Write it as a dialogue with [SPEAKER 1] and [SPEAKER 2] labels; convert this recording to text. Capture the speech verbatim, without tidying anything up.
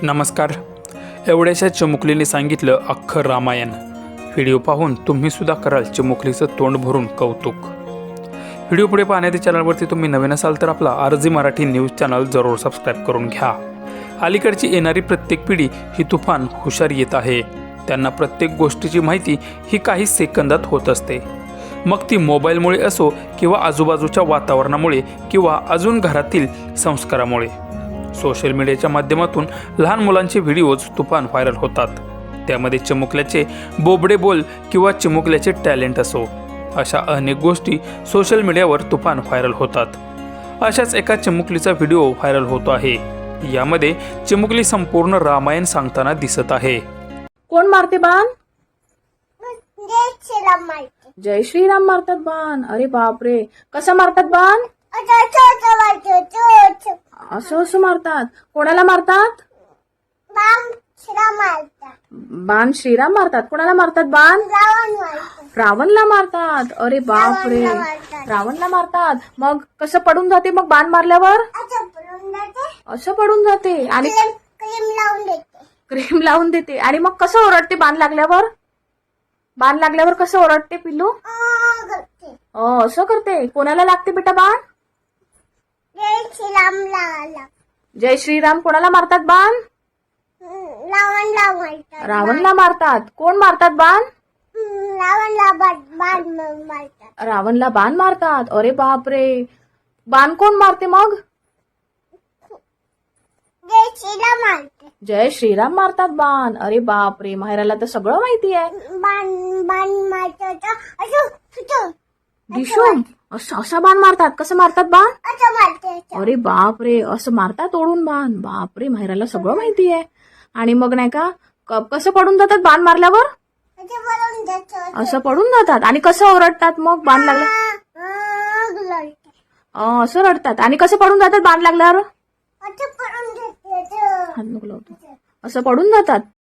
[SPEAKER 1] नमस्कार. एवढ्याशा चिमुकलीने सांगितलं अख्खं रामायण. व्हिडिओ पाहून तुम्ही सुद्धा कराल चिमुकलीचं तोंड भरून कौतुक. व्हिडिओ पुढे पाहण्याच्या चॅनलवरती तुम्ही नवीन असाल तर आपला आरजी मराठी न्यूज चॅनल जरूर सबस्क्राईब करून घ्या. अलीकडची येणारी प्रत्येक पिढी ही तुफान हुशार येत आहे. त्यांना प्रत्येक गोष्टीची माहिती ही काही सेकंदात होत असते. मग ती मोबाईलमुळे असो किंवा आजूबाजूच्या वातावरणामुळे किंवा अजून घरातील संस्कारामुळे. सोशल मीडियाच्या माध्यमातून लहान मुलांचे व्हिडिओज तुफान व्हायरल होतात. त्यामध्ये चिमुकल्याचे बोबडे बोल किंवा चिमुकल्याचे टॅलेंट असो, अशा अनेक गोष्टी सोशल मीडियावर तुफान व्हायरल होतात. अशाच एका चिमुकलीचा व्हिडिओ व्हायरल होतो आहे. यामध्ये चिमुकली संपूर्ण रामायण सांगताना दिसत आहे.
[SPEAKER 2] कोण मारते बाण?
[SPEAKER 3] जय श्रीराम मारते.
[SPEAKER 2] जय श्रीराम मारतात बाण. अरे बापरे, कसं मारतात बाण?
[SPEAKER 3] आता छोटं मारते, छोटं.
[SPEAKER 2] असं असं मारतात. कोणाला मारतात?
[SPEAKER 3] बाम श्रीराम मारतात.
[SPEAKER 2] बाण श्रीराम मारतात. कोणाला मारतात बाण?
[SPEAKER 3] रावण मारतात.
[SPEAKER 2] रावणला मारतात. अरे बापरे,
[SPEAKER 3] रावणला मारतात.
[SPEAKER 2] रावणला मारतात. मग कसं पडून जाते मग बाण मारल्यावर?
[SPEAKER 3] असं पडून जाते.
[SPEAKER 2] असं पडून जाते आणि
[SPEAKER 3] क्रीम क्रीम लावून देते.
[SPEAKER 2] क्रीम लावून देते. आणि मग कसं ओरडते बाण लागल्यावर? बाण लागल्यावर कसं ओरडते पिल्लू?
[SPEAKER 3] आ, करते.
[SPEAKER 2] अ, असं करते. कोणाला लागते बेटा बाण?
[SPEAKER 3] जय श्रीराम लाला.
[SPEAKER 2] जय श्रीराम कोणाला मारतात बाण?
[SPEAKER 3] रावणला मारतात.
[SPEAKER 2] रावणला मारतात. कोण मारतात बाण?
[SPEAKER 3] रावणला बाण बाण मारतात.
[SPEAKER 2] रावणला बाण मारतात. अरे बापरे, बाण कोण मारते मग?
[SPEAKER 3] जय श्रीराम मारते.
[SPEAKER 2] जय श्रीराम मारतात बाण. अरे बापरे, माहेराला तर सगळं माहिती आहे.
[SPEAKER 3] बाण बाण मारतात. असं असं
[SPEAKER 2] दिशूम असं असा बाण मारतात. कसं मारतात बाण?
[SPEAKER 3] असं मारते.
[SPEAKER 2] अरे बापरे, असं मारतात ओढून बाण. बापरे, माहेराला सगळं माहिती आहे. आणि मग नाही का क- कसं पडून जातात बाण मारल्यावर?
[SPEAKER 3] असं पडून जातं.
[SPEAKER 2] असं पडून जातात. आणि कसं ओरडतात मग बाण लागलं?
[SPEAKER 3] आ, लढते.
[SPEAKER 2] अं, असं रडतात. आणि कसं पडून जातात बाण लागल्यावर?
[SPEAKER 3] असं पडून जाते.
[SPEAKER 2] हात नको लावतो. असं पडून जातात.